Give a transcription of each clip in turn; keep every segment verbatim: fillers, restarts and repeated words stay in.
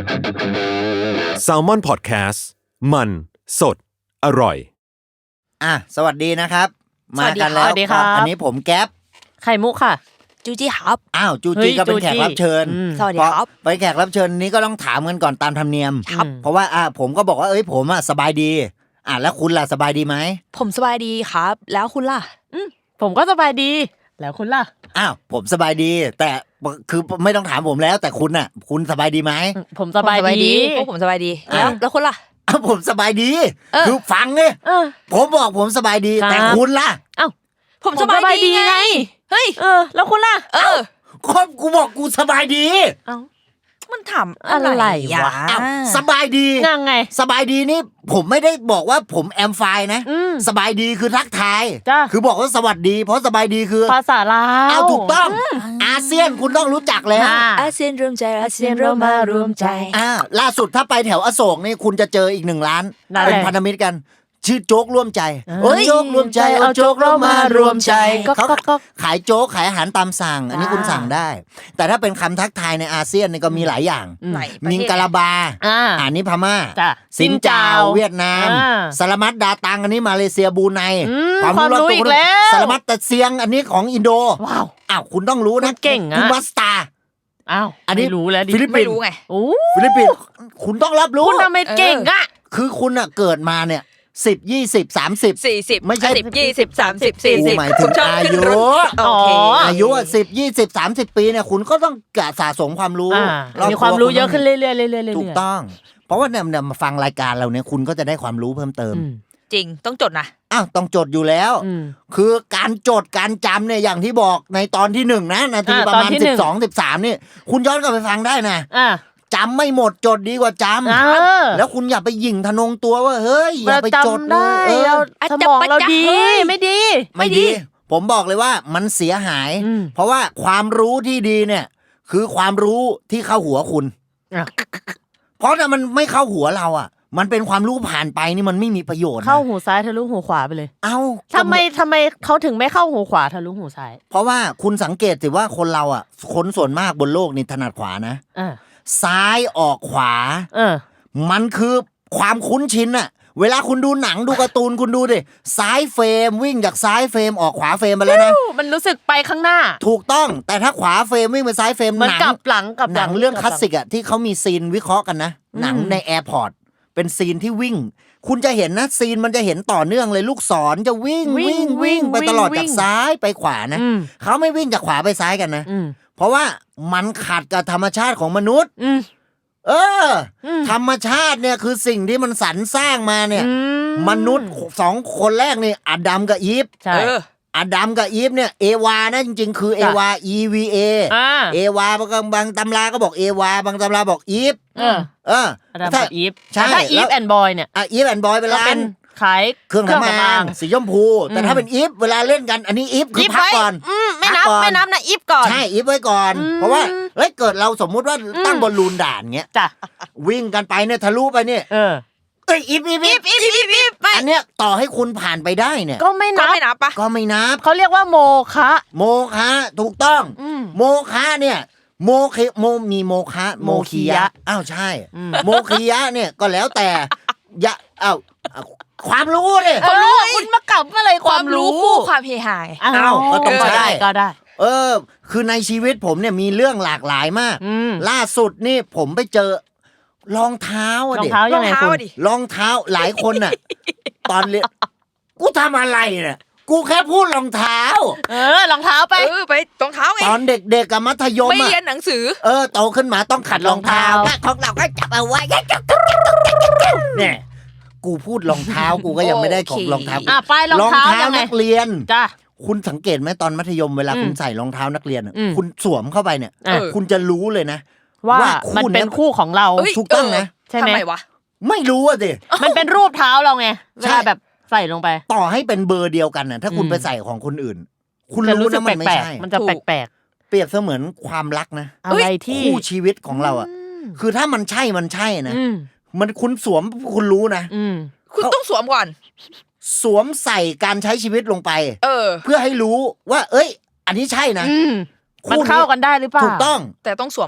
Salmon Podcast มันสดอร่อยอ่ะสวัสดีนะครับมากันแล้วครับอันนี้ผมแก๊ปไข่มุกค่ะจูจี้ครับอ้าวจูจี้ก็เป็นแขกรับเชิญสวัสดีครับไปแขกรับเชิญนี้ก็ต้องถามกันก่อนตามธรรมเนียมเพราะว่าอ่ะผมก็บอกว่าเอ้ยผมอ่ะสบายดีอ่ะแล้วคุณล่ะสบายดีไหมผมสบายดีครับแล้วคุณล่ะอืมผมก็สบายดีแล้วคุณล่ะอ้าวผมสบายดีแต่คือไม่ต้องถามผมแล้วแต่คุณน่ะคุณสบายดีไหมผมสบายดีพวกผมสบายดีแล้วแล้วคุณล่ะอ้าวผมสบายดีคือฟังเนี่ยผมบอกผมสบายดีแต่คุณล่ะอ้าวผมสบายดีไงเฮ้ยเออแล้วคุณล่ะเออก็กูบอกกูสบายดีเอ้ามันถามอะไรวะสบายดียังไงสบายดีนี่ผมไม่ได้บอกว่าผมแอมไฟนะสบายดีคือทักทายคือบอกว่าสวัสดีเพราะสบายดีคือภาษาลาวเอาถูกต้องอาเซียนคุณต้องรู้จักแล้วอาเซียนรวมใจอาเซียนเรามารวมใจอ่าล่าสุดถ้าไปแถวอโศกนี่คุณจะเจออีกหนึ่งร้านเป็นพันธมิตรกันชื่อโจ๊กร่วมใจโอ้โจ๊กร่วมใจเอาโจ๊กเรามารวมใจเขาขายโจ๊กขายอาหารตามสั่งอันนี้คุณสั่งได้แต่ถ้าเป็นคำทักทายในอาเซียนนี่ก็มีหลายอย่างมิงกะลาบาอันนี้พม่าซินจาวเวียดนามสลามัดดาตังอันนี้มาเลเซียบรูไนความรู้อีกแล้วสลามัดตะเซียงอันนี้ของอินโดว้าวอ้าวคุณต้องรู้นะเก่งคุณวัสตาอ้าวอันนี้รู้แล้วดิฟิลิปปินส์ไม่รู้ไงโอ้ฟิลิปปินส์คุณต้องรับรู้คุณทำไมเก่งอ่ะคือคุณอ่ะเกิดมาเนี่ยสิบยี่สิบสามสิบสี่สิบไม่ใช่สิบยี่สิบสามสิบสี่สิบหมายถึงอายุโอเคอายุอ่ะสิบยี่สิบสามสิบปีเนี่ยคุณก็ต้องกะสะสมความรู้มีความรู้เยอะขึ้นเรื่อยๆเรื่อยๆถูกต้องเพราะว่าเนี่ยมาฟังรายการเราเนี่ยคุณก็จะได้ความรู้เพิ่มเติมจริงต้องจดนะอ้าวต้องจดอยู่แล้วคือการจดการจำเนี่ยอย่างที่บอกในตอนที่หนึ่งนะนาทีประมาณสิบสองสิบสามนี่คุณย้อนกลับไปฟังได้นะจำไม่หมดจดดีกว่าจำแล้วคุณอย่าไปหยิ่งทะนงตัวว่าเฮ้ยอย่าไปจดได้สมองเราดีไม่ดีไม่ดีผมบอกเลยว่ามันเสียหายเพราะว่าความรู้ที่ดีเนี่ยคือความรู้ที่เข้าหัวคุณเพราะถ้ามันไม่เข้าหัวเราอ่ะมันเป็นความรู้ผ่านไปนี่มันไม่มีประโยชน์เข้าหูซ้ายทะลุหูขวาไปเลยเอ้าทำไมทำไมเขาถึงไม่เข้าหูขวาทะลุหูซ้ายเพราะว่าคุณสังเกตสิว่าคนเราอ่ะคนส่วนมากบนโลกนี่ถนัดขวานะซ้ายออกขวาเออมันคือความคุ้นชินอะเวลาคุณดูหนังดูการ์ตูนคุณดูดิซ้ายเฟรมวิ่งจากซ้ายเฟรมออกขวาเฟรมไปแล้วนะมันรู้สึกไปข้างหน้าถูกต้องแต่ถ้าขวาเฟรมวิ่งไปซ้ายเฟรมหนังกลับหลังกับหนังเรื่องคลาสสิกอะที่เขามีซีนวิเคราะห์กันนะหนังในแอร์พอร์ตเป็นซีนที่วิ่งคุณจะเห็นนะซีนมันจะเห็นต่อเนื่องเลยลูกศรจะวิ่งวิ่งวิ่งไปตลอดจากซ้ายไปขวานะเขาไม่วิ่งจากขวาไปซ้ายกันนะเพราะว่ามันขัดกับธรรมชาติของมนุษย์เออธรรมชาติเนี่ยคือสิ่งที่มันสรรสร้างมาเนี่ยมนุษย์สองคนแรกนี่อาดัมกับอีฟใช่อาดัมกับอีฟเนี่ยเอวานะจริงๆคือเอวา E V A เอวาบางบางตำราก็บอกเอวาบางตำราบอกอีฟเออเออถ้าอีฟใช่ถ้าอีฟแอนด์บอยเนี่ยอ่ะอีฟแอนด์บอยเป็นร้านขายเครื่องทำอางสีชมพูแต่ถ้าเป็นอีฟเวลาเล่นกันอันนี้อีฟคือพักก่อนไม่นับไม่นับนะอีฟก่อนใช่อีฟไว้ก่อนเพราะว่าเฮ้ยเกิดเราสมมุติว่าตั้งบอลลูนด่านเงี้ยจ้ะวิ่งกันไปเนี่ยทะลุไปเนี่ยเออเอ้ยอีฟอีฟอีฟอีฟอีฟอีฟอันเนี้ยต่อให้คุณผ่านไปได้เนี่ยก็ไม่นับก็ไม่นับปะก็ไม่นับเขาเรียกว่าโมคะโมคะถูกต้องโมคะเนี่ยโมเคโมมีโมคะโมคียะอ้าวใช่โมคียะเนี่ยก็แล้วแต่ยะอ้าวความรู้เนี่ยความรู้คุณมากลับอะไรความรู้คู่ความเฮฮาอ้าวก็ต้องใช่ก็ได้เออคือในชีวิตผมเนี่ยมีเรื่องหลากหลายมากล่าสุดนี่ผมไปเจอรองเท้าอ่ะดิรองเท้ายังไงคุณรองเท้าหลายคนน่ะตอนเรียนกูทำอะไรเนี่ยกูแค่พูดรองเท้าเออรองเท้าไปเออไปรองเท้าไงตอนเด็กๆกับมัธยมไม่เรียนหนังสือเออโตขึ้นมาต้องขัดรองเท้าของเราก็จับเอาไว้เนี่ยกูพูดรองเท้ากูก็ยังไม่ได้ของรองเท้าอ่ะไปรองเท้านักเรียนจ้ะคุณสังเกตไหมตอนมัธยมเวลาคุณใส่รองเท้านักเรียนคุณสวมเข้าไปเนี่ยคุณจะรู้เลยนะว่ามันเป็นคู่ของเราถูกต้องนะใช่ไหมทำไมวะไม่รู้อ่ะสิมันเป็นรูปเท้าเราไงเวลาแบบใส่ลงไปต่อให้เป็นเบอร์เดียวกันน่ะถ้าคุณไปใส่ของคนอื่นคุณรู้นะมันไม่ใช่มันจะแปลกๆเปรียบเสมือนความรักนะอะไรที่คู่ชีวิตของเราอ่ะคือถ้ามันใช่มันใช่นะมันคุณสวมคุณรู้นะคุณต้องสวมก่อนสวมใส่การใช้ชีวิตลงไปเออเพื่อให้รู้ว่าเอ้ยอันนี้ใช่นะมันเข้ากันได้หรือเปล่าถูกต้องแต่ต้องสวมก่อน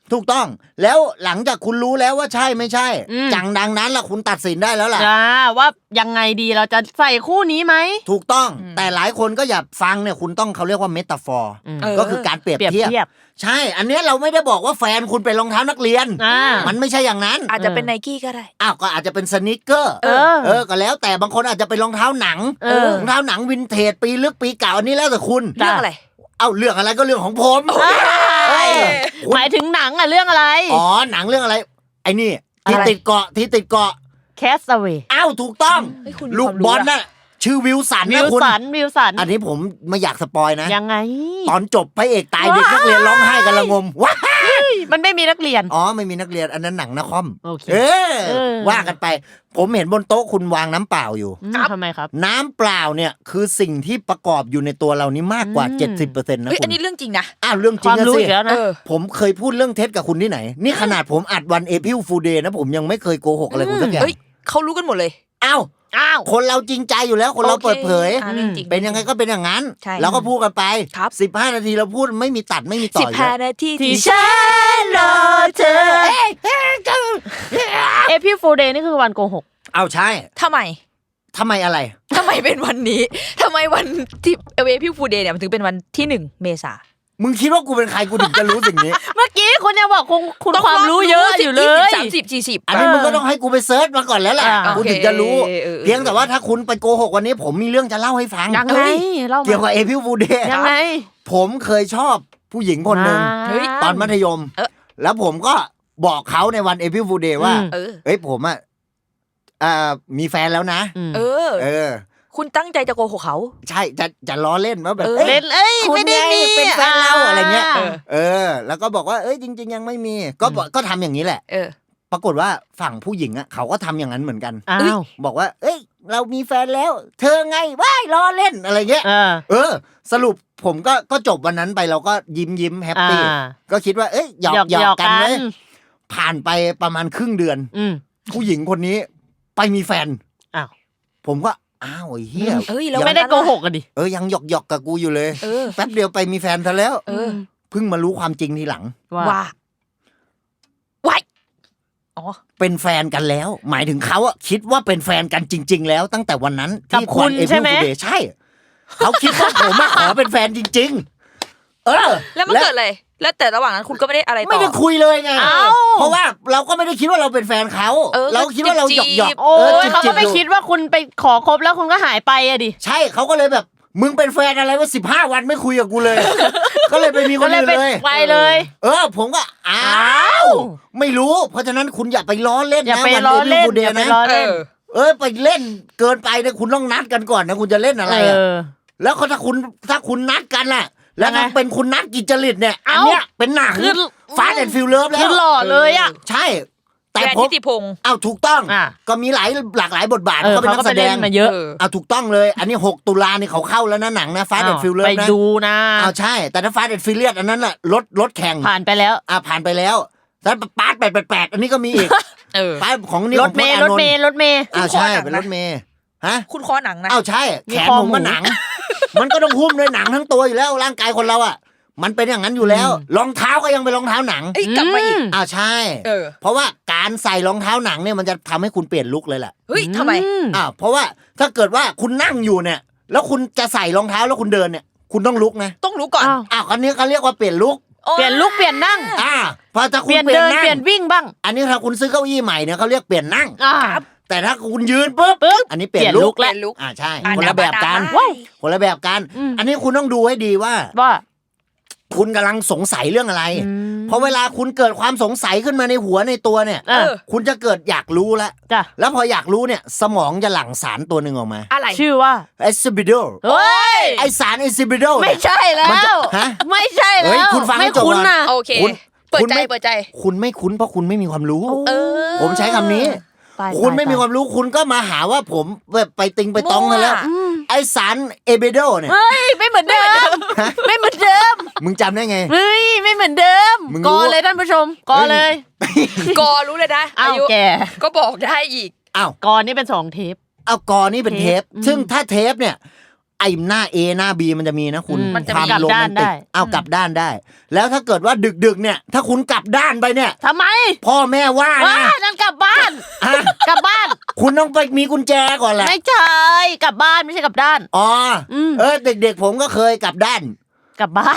ถูกต้องแล้วหลังจากคุณรู้แล้วว่าใช่ไม่ใช่อืมจังดังนั้นล่ะคุณตัดสินได้แล้วล่ะอ่าว่ายังไงดีเราจะใส่คู่นี้ไหมถูกต้องแต่หลายคนก็อย่าฟังเนี่ยคุณต้องเขาเรียกว่าเมตาฟอร์อืมเออก็คือการเปรียบเปรียบเทียบเทียบใช่ อันเนี้ยเราไม่ได้บอกว่าแฟนคุณเป็นรองเท้านักเรียนอ่ามันไม่ใช่อย่างนั้นอาจจะเป็นไนกี้ก็ได้อ้าวก็อาจจะเป็นสนิเกอร์เออเออก็แล้วแต่บางคนอาจจะเป็นรองเท้าหนังเออรองเท้าหนังวินเทจปีลึกปีเก่าอันนี้แล้วแต่คุณจ้ะเรื่องอะไรเอ้าเรื่องอะไรก็เรื่องของผมอ่าเออคุณหมายถึงหนังอะเรื่องอะไรอ๋อหนังเรื่องอะไร ไอ้นี่ที่อะไรติดเกาะที่ติดเกาะ Castaway อ้าวถูกต้องเฮ้ยคุณลูกความรู้บอลอะน่ะชื่อวิลสันวินะวคุณสันวิวสันอันนี้ผมไม่อยากสปอยนะยังไงตอนจบพระเอกตายเด็กนักเรียนร้องไห้กันละงมว้ามันไม่มีนักเรียนอ๋อไม่มีนักเรียนอันนั้นหนังนะคอมโอเคเออเออว่ากันไป ผมเห็นบนโต๊ะคุณวางน้ำเปล่าอยู่อืมทำไมครับน้ำเปล่าเนี่ยคือสิ่งที่ประกอบอยู่ในตัวเรานี่มากกว่าอืมเจ็ดสิบเปอร์เซ็นต์นะเฮ้ยคุอันณนี้เรื่องจริงนะอ้าวเรื่องจคริงวามนะรู้สิอีกแล้วนะเออผมเคยพูดเรื่องเท็จกับคุณที่ไหน นี่ขนาดผมอัดวันเอพิลฟูเดย์นะผมยังไม่เคยโกหกอะไรคุณสักอย่างเฮ้ยเขารู้กันหมดเลยอ้าวอ้าวคนเราจริงใจอยู่แล้วคนเราโอคเปิดเผยอ่ะเรื่องจริงเป็นยังไงก็เป็นอย่างนั้นใช่เราก็พูดกันไปครับสิบห้านาทีเราพูดไม่มีตัดไม่มีต่สิอบ อยู่ห้าแล้วนาทีที่ที่ฉันรอเธอเอพิฟูเดย์นี่คือวันโกหกเอาใช่ทำไมทำไมอะไรทำไมเป็นวันนี้ทำไมวันที่เอเวพี่ฟูเดย์เนี่ยมันถึงเป็นวันที่หนึ่งเมษามึงคิดว่ากูเป็นใครกูถึงจะรู้สิ่งนี้เมื่อกี้คุณยังบอกคุณคุณต้องความรู้เยอะอยู่เลยสามสิบสี่สิบอันนี้มึงก็ต้องให้กูไปเซิร์ชมาก่อนแล้วแหละอ่ากูถึงจะรู้โอเคเออเพียงแต่ว่าถ้าคุณไปโกหกวันนี้ผมมีเรื่องจะเล่าให้ฟังยังไงเล่ามาเกี่ยวกับเอพิลฟูเดย์ยังไงผมเคยชอบผู้หญิงคนหนึ่งาเฮ้ยตอนมัธยมเออแล้วผมก็บอกเขาในวันเอพิลฟูเดย์ว่าอืมเออเอ้ยผมอ่ะอ่ามีแฟนแล้วนะอืมเออเออคุณตั้งใจจะโกหกเขาใช่จะจะล้อเล่นว่าแบบเอออ้ยเล่นเอ้ยคุณไม่ได้ไงมีเป็นแฟนเราอะไรเงี้ยาเออ แล้วก็บอกว่าเอ้ยจริง ๆ ยังไม่มี ก็บอกก็ทำอย่างนี้แหละเออปรากฏว่าฝั่งผู้หญิงอ่ะเขาก็ทำอย่างนั้นเหมือนกันอ้าวบอกว่า เอ้ย เรามีแฟนแล้ว เธอไงว้ายล้อเล่นอะไรเงี้ยเออเออ สรุปผมก็ก็จบวันนั้นไปเราก็ยิ้มยิ้มแฮปปี้อ่าก็คิดว่าเอ้ยหยอกหยอกหยหยออก กกันกันเลยผ่านไปประมาณครึ่งเดือนอืมผู้หญิงคนนี้ไปมีแฟนอ้าวผมก็อ้าวไอ้เหี้ยเอ้ยแล้วไม่ได้โกหกกันดิเออยังหยอกหยอกกับกูอยู่เลยเออแป๊บเดียวไปมีแฟนซะแล้วเออเพิ่งมารู้ความจริงทีหลังว่าว่าไว้อ๋อเป็นแฟนกันแล้ว หมายถึงเขาอะคิดว่าเป็นแฟนกันจริง ๆ แล้วตั้งแต่วันนั้นกับที่คุณวัน April ใช่ไหม Fool Day ใช่ เขาคิดว่าผมมาขอเป็นแฟนจริง ๆ เออแล้วมันเกิดอะไร แล้วแต่ระหว่างนั้นคุณก็ไม่ได้อะไรต่อไม่ได้คุยเลยไงเอ้าเพราะว่าเราก็ไม่ได้คิดว่าเราเป็นแฟนเขาเออเราคิดว่าเราหยอกหยอกจีบๆโอ้ยเขาก็ไม่จีบๆคิดว่าคุณไปขอคบแล้วคุณก็หายไปอะดิใช่เขาก็เลยแบบ มึงเป็นแฟนอะไรว่าสิบห้าวันไม่คุยกับกูเลย ก็เลยไปมีคก็นเลยอื่นไปเลยไปเลยเออ ผมก็อ้าอ้าว วไม่รู้ เพราะฉะนั้นคุณอย่าไปล้อเล่นอย่านะไปวันล้อเล่น April Fool อย่า Day ไปนะล้อเอเล่นอเออไปเล่นเกินไปเนี่ยคุณต้องนัดกันก่อนนะคุณจะเล่นอะไรเออ่ะอแล้วเขาถ้าคุณถ้าคุณนัดกันล่ะ แล้วถ้ายังไงเป็นคุณนัดกิจจริตเนี่ยอันเอ้าเนี้ยเป็นหนังคือฟาสต์แอนด์ฟิลเลิฟแล้คือวหล่อเลยอะใช่ แต่แดนผมทิติพงศ์เอาถูกต้องอ่ะก็มีหลายหลากหลายบทบาทเออเขาเป็นเขานัก็กไปแสดเล่นงมาเยอะเออเอาถูกต้องเลย อันนี้หกตุลานี่เขาเข้าแล้วนะหนังนะฟาสต์แอนด์ฟิลเลิฟไปนะดูนะเอาใช่ แต่ถ้าฟาสต์แอนด์ฟิลเลียสอันนั้นแหละรถรถแข่งผ่านไปแล้วอ่ะผ่านไปแล้วแล้วปาร์ตแปดแปดแปดอันนี้ก็มีอีกเออปาร์ตของนี่รขถองพเมจน์ย์อาร นถนเมท์ย์รถเมย์อ้าวใช่คู่คอหนังนะเป็นรถเมย์ฮะคุณคอหนังนะอ้าวใช่มีแขนคอผมหมูก็หนัง มันก็ต้องหุ้มด้วยหนังทั้งตัวอยู่แล้วร่างกายคนเราอ่ะ มันเป็นอย่างนั้นอยู่แล้ว รองเท้าก็ยังเป็นรองเท้าหนังเอ้ยกลับมาอีกอ้าวใช่เออเพราะว่าการใส่รองเท้าหนังเนี่ยมันจะทำให้คุณเปลี่ยนลุคเลยแหละเฮ้ยทำไมอือ้าวเพราะว่าถ้าเกิดว่าคุณนั่งอยู่เนี่ย แล้วคุณจะใส่รองเท้าแล้วคุณเดินเนี่ย คุณต้องลุกนะต้องรู้ก่อนอ้าวอ้าวอันนี้เขาเรียกว่าเปลี่ยนลุคโอ้เปลี่ยนลุกเปลี่ยนนั่งอ่าพอถ้าเปคุณลี่ยนเปลี่ยเดินนนั่งเปลี่ยนวิ่งบ้างอันนี้ถ้าคุณซื้อเก้าอี้ใหม่เนี่ยเขาเรียกเปลี่ยนนั่งอ่าแต่ถ้าคุณยืนปุ๊บปึ๊บอันนี้เปลี่ยนเปลี่ยนลุลุคคเปลี่ยนลุกอ่าใช่อ่ะคนละแบบกันว้าวคนละแบบกันอืมอันนี้คุณต้องดูให้ดีว่าว่าคุณกำลังสงสัยเรื่องอะไรอืมเพราะเวลาคุณเกิดความสงสัยขึ้นมาในหัวในตัวเนี่ยเออคุณจะเกิดอยากรู้แล้วจ้ะแล้วพออยากรู้เนี่ย สมองจะหลั่งสารตัวหนึ่งออกมาอะไรชื่อว่าเอซิบิโดเฮ้ยไอสารเอซิบิโดไม่ใช่แล้มันจะวฮะไม่ใช่เฮ้แล้ยว คุณฟังให้ไม่จบคุ้นก่อนนะโอเคคุณเปิดคุณใจไม่เปิดใจคุณไม่คุ้นเพราะคุณไม่มีความรู้เออผมใช้คำนี้ตายคุณไม่ตายมีความรู้คุณก็มาหาว่าผมแบบไปติงไปตองกันแล้วมั่วอืมไอสารเอเบโดเนี่ยเฮ้ยไม่เหมือนเดิม ไม่เหมือนเดิมมึงจำได้ไงเฮ้ยไม่เหมือนเดิมมึงรู้กอเลยท่านผู้ชมกอเลยกอรู้เลยนะอ้าอาว ยุแกก็บอกได้อีกอ้าวกอนี่เป็นสองเทปเอากอนี่เป็นเทปเทปอืมซึ่งถ้าเทปเนี่ย ไออ้หน้า A หน้า B มันจะมีนะคุณอืมมันจะความีกลับโรด้าแมนนติได้กเอากลับด้านได้ แล้วถ้าเกิดว่าดึกๆเนี่ยถ้าคุณกลับด้านไปเนี่ยทำไมพ่อแม่ว่าว้านะนั่นกลับบ้านฮะกลับบ้านคุณต้องไปมีกุญแจก่อนแหละไม่ใช่กลับบ้านไม่ใช่กลับด้านอ๋ออมเออเด็กๆผมก็เคยกลับด้านกลับบ้าน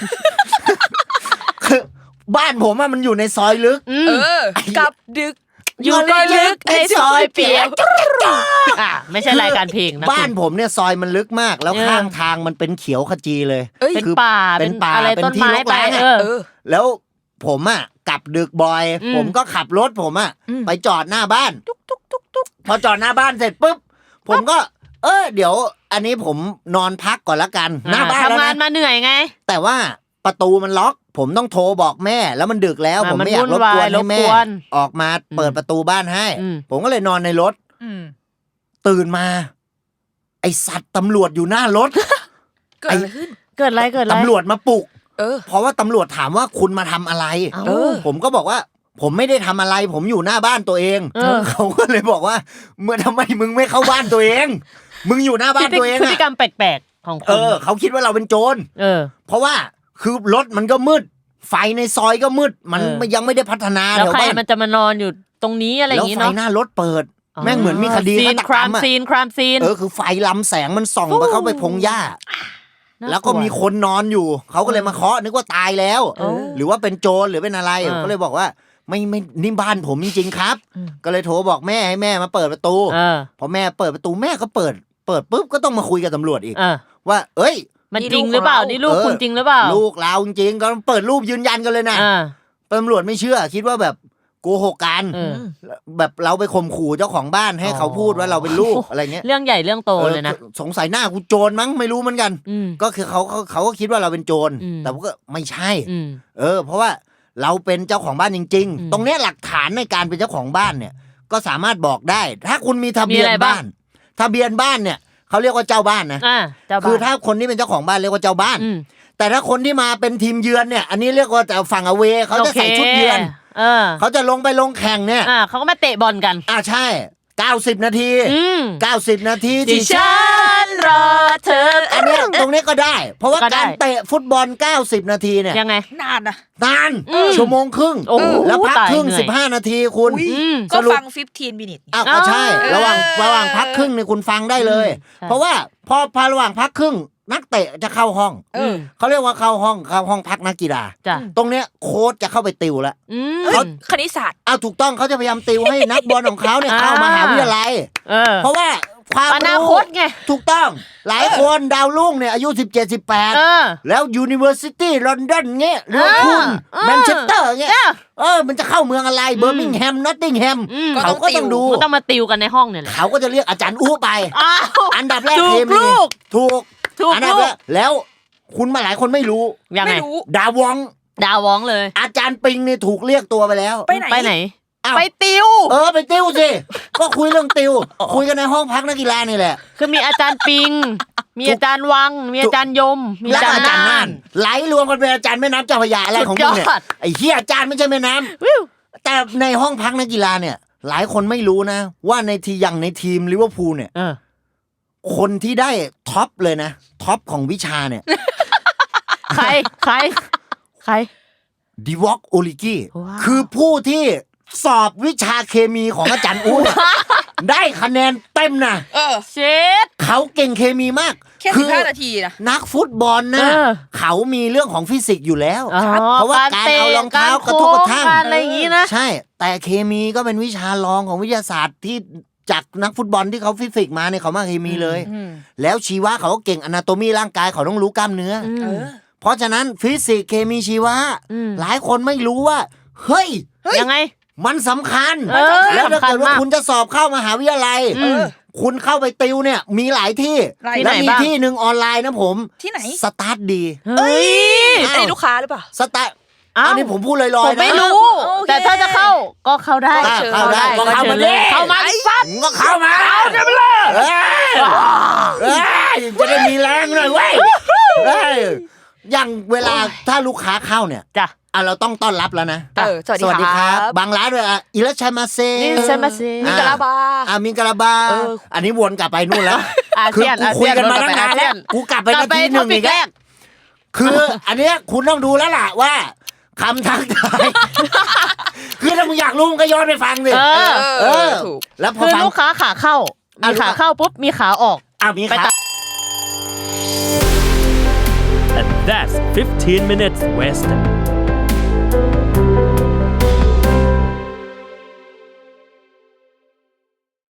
คือบ้านผมอะมันอยู่ในซอยลึกอืเอมอกลับดึกอยู่ก็ลึกในซอยเปียกอ่ะไม่ใช่รายการเพลงนะบ้านคุณผมเนี่ยซอยมันลึกมาก แล้วเออข้างทางมันเป็นเขียวขจีเลยเอ้ยเป็นคือป่าเป็นป่าอะไรเป็นต้นที่ไม้รกไปร้างอะเออเออแล้วผมอ่ะกลับดึกบ่อยอืมผมก็ขับรถผมอ่ะอืมไปจอดหน้าบ้านตุ๊กตุ๊กตุ๊กตุ๊กพอจอดหน้าบ้านเสร็จปุ๊บผมก็ เออเดี๋ยว อันนี้ผมนอนพักก่อนละกัน หน้าบ้านแล้วทำงานนะมาเหนื่อยไงแต่ว่าประตูมันล็อก ผมต้องโทรบอกแม่ แล้วมันดึกแล้วอ่ะผมไม่มันอยากรบกวนวุ่นวายให้แม่รบกวนออกมาเปิดประตูบ้านให้อืมผมก็เลยนอนในรถอืมตื่นมา ไอสัตว์ตำรวจอยู่หน้ารถเกิดอะไรขึ้นเกิดอะไรเกิดอะไรตำรวจมาปลุกเออเพราะว่าตำรวจถามว่าคุณมาทำอะไรเอ้าเออผมก็บอกว่า ผมไม่ได้ทำอะไร ผมอยู่หน้าบ้านตัวเองเออเขาก็เลยบอกว่า เมื่อทำไมมึงไม่เข้าบ้านตัวเอง มึงอยู่หน้าบ้านตัวเองพฤติอะกรรมแปลกๆของคุเอณอ เขาคิดว่าเราเป็นโจรเออเพราะว่าคือรถมันก็มืด ไฟในซอยก็มืด มันเออยังไม่ได้พัฒนาแล้วแถวใครบ้านมันจะมานอนอยู่ตรงนี้อะไรอแล้ย่าว งงี้ไฟเนาะหน้ารถเปิด แม่งเหมือนมีคดีซีฆาน ตคกรราร มมอะซีนครามซีนเออคือไฟลำแสงมันส่องไปเข้าไปพงหญ้าน่าแล้วก็ลัมีคนนอนอยู่ เขาก็เลยมาเคาะนึกว่าตายแล้วเออหรือว่าเป็นโจรหรือเป็นอะไรเออก็เลยบอกว่าไม่ไม่นี่บ้านผมจริงๆครับอืมก็เลยโทรบอกแม่ให้แม่มาเปิดประตูเออพอแม่เปิดประตูแม่ก็เปิด เปิดปุ๊บก็ต้องมาคุยกับตำรวจอีกเออว่า เอ้ยมันนี่จริงลูกหรือเปล่าของเรานี่ลูกเออคุณจริงหรือเปล่าลูกเราจริงๆก็เปิดรูปยืนยันกันเลยนะอ่าตำรวจไม่เชื่อ คิดว่าแบบโกหกกันเออแบบเราไปข่มขู่เจ้าของบ้านให้เขาพูดว่าเราเป็นลูกอะไรเงี้ยเรื่องใหญ่เรื่องโตเออเลยนะสงสัยหน้ากูโจรมั้งไม่รู้เหมือนกันอืมก็คือเขาเขาเขาก็คิดว่าเราเป็นโจรอืมแต่ว่าก็ไม่ใช่อืมเออ เพราะว่าเราเป็นเจ้าของบ้านจริงอืมๆ ตรงเนี้ยหลักฐานในการเป็นเจ้าของบ้านเนี่ย ก็สามารถบอกได้ ถ้าคุณมีทะเบียนมีอะไรบ้าบ้าง น ทะเบียนบ้านเนี่ยเขาเรียกว่าเจ้าบ้านนะอ่าเจ้าบ้านคือถ้าคนที่เป็นเจ้าของบ้านเรียกว่าเจ้าบ้านอืมแต่ถ้าคนที่มาเป็นทีมเยือนเนี่ย อันนี้เรียกว่าแต่ฝั่งอเวเขาจะใส่ชุดเยือนเออเขาจะลงไปลงแข่งเนี่ยอ่าเขาก็มาเตะบอลกันอ่าใช่เก้าสิบนาทีอืมเก้าสิบนาทีที่ที่ฉันรอเธออันเนี้ยตรงนี้ก็ได้ เพราะว่าก็ได้การเตะฟุตบอลเก้าสิบนาทีเนี่ยยังไงนานนะนานอืมชั่วโมงครึ่งโอ้โหแล้วพักตายครึ่งเหนื่อยสิบห้านาทีคุณอุ๊ยอืมก็สรุปฟังสิบห้า minute อ้าวก็ใช่เออระหว่างระหว่างพักครึ่งเนี่ยคุณฟังได้เลยใช่เพราะว่าพอพอระหว่างพักครึ่ง นักเตะจะเข้าห้องเออเขาเรียกว่าเข้าห้องเข้าห้องพักนักกีฬาจ้ะตรงเนี้ยโค้ชจะเข้าไปติวแล้วอืมเฮ้ยคณิตศาสตร์อ้าวถูกต้องเขาจะพยายามติวให้นักบอลของเขาเนี่ยอ่าเข้ามหาวิทยาลัยเออเพราะว่าความอนาคตไงถูกต้องหลายคนดาวรุ่งเนี่ยอายุสิบเจ็ด สิบแปดเออแล้ว University London เงี้ยหรือว่าคุณเออแมนเชสเตอร์เงี้ยเออเออมันจะเข้าเมืองอะไรเบอร์มิงแฮมนอตติงแฮมอืมเขาก็ต้องดูก็ต้องมาติวกันในห้องเนี่ยแหละเขาก็จะเรียกอาจารย์อู้ไปอ้าวอันดับแรกถูกเคมีลูกถูกถูกอันดับลูแรกกแล้วคุณมาหลายคนไม่รู้ยังไงไม่รู้ดาวองดาวว้องเลยอาจารย์ปิงนี่ถูกเรียกตัวไปแล้วไปไหนไปไหนอ้าวไปติวเออไปติวสิ ก็คุยเรื่องติว คุยกันในห้องพักนักกีฬานี่แหละคือมีอาจารย์ปิง มีอาจารย์วัง มีอาจารย์ยม มีแล้วอาจารอาย์จารย์น่าน่าน นไหลรวมกันเป็นอาจารย์แม่น้ำเจ้าพระยาอะไรของมึงเนี่ยสุดยอดไอ้เหี้ยอาจารย์ไม่ใช่แม่น้ำวิวแต่ในห้องพักนักกีฬาเนี่ย หลายคนไม่รู้นะ ว่าในทีอย่างในทีมลิเวอร์พูลเนี่ยเออคนที่ได้ท็อปเลยนะท็อปของวิชาเนี่ยใคร ใคร ใครดิวอกโอลิกี้ว้าวคือผู้ที่สอบวิชาเคมีของอาจารย์อู้เนี่ยได้คะแนนเต็มนะเออเช็ดเขาเก่งเคมีมากแค่คืสิบห้านาทีนะนักฟุตบอลนะเออเขามีเรื่องของฟิสิกส์อยู่แล้วอ๋อเพราะว่าการเอารองเท้ากระทบกระทั่งการอะไรอย่างงี้นะใช่ แต่เคมีก็เป็นวิชารองของวิทยาศาสตร์ที่จากนักฟุตบอลที่เขาฟิสิกส์มาเนี่ยเขามาเคมีเลยอืมแล้วชีวะเขาก็เก่งอนาโตมีร่างกายเขาต้องรู้กล้ามเนื้อออืมเออเพราะฉะนั้นฟิสิกส์เคมีชีวะอืมหลายคนไม่รู้ว่า เฮ้ยยังไงมันสำคัญเออแล้วถ้าสำคัญเกิดว่ามากคุณจะสอบเข้ามหาวิทยาลัยอืมคุณเข้าไปติวเนี่ยมีหลายที่หลายแล้วที่มีไหนบ้างที่หนึ่งออนไลน์นะผมที่ไหนสตาร์ทดีเฮ้ยอันนี้ลูกค้าหรือเปล่าสตาร์ทอ้าวอันนี้ผมพูดลอยผๆมนะไม่รู้โอเคแต่ถ้าจะเข้าก็เข้าได้อ่ะเข้าได้ก็ก็เข้าเชิมาญดิเลยเข้ามาฟัดมึงก็เข้ามาเอาจะไปเลยเอ้ยเอ้ยจะได้มีแรงหน่อยเว้ยเอ้ยอย่างเวลาถ้าลูกค้าเข้าเนี่ยจ้ะอ่ะเราต้องต้อนรับแล้วนะเออสวัสดีครับบางร้านเลยอ่ะอิรัชชัยมาเซนี่ใช่มาสิมิกาลาบาอ่ะมิงกะลาบาเอออันนี้วนกลับไปนู่นแล้วอาคือเซียนกูอาคุเซียยนกันมาตั้งนานแล้วกูกลับไปกลันาบไปทีหท็อนึ่งปิอีกกแรแล้วกคืออันเนี้ยคุณต้องดูแล้วล่ะว่าคำทักทาย คือถ้ามึงอยากรู้มึงก็ย้อนไปฟังสิเออเออถูกแล้วพอคือฟังลูกค้าขาเข้าอ่ะมีขาเข้าปุ๊บมีขาออกอ่ะมีไปขาตัด And that's fifteen minutes Western.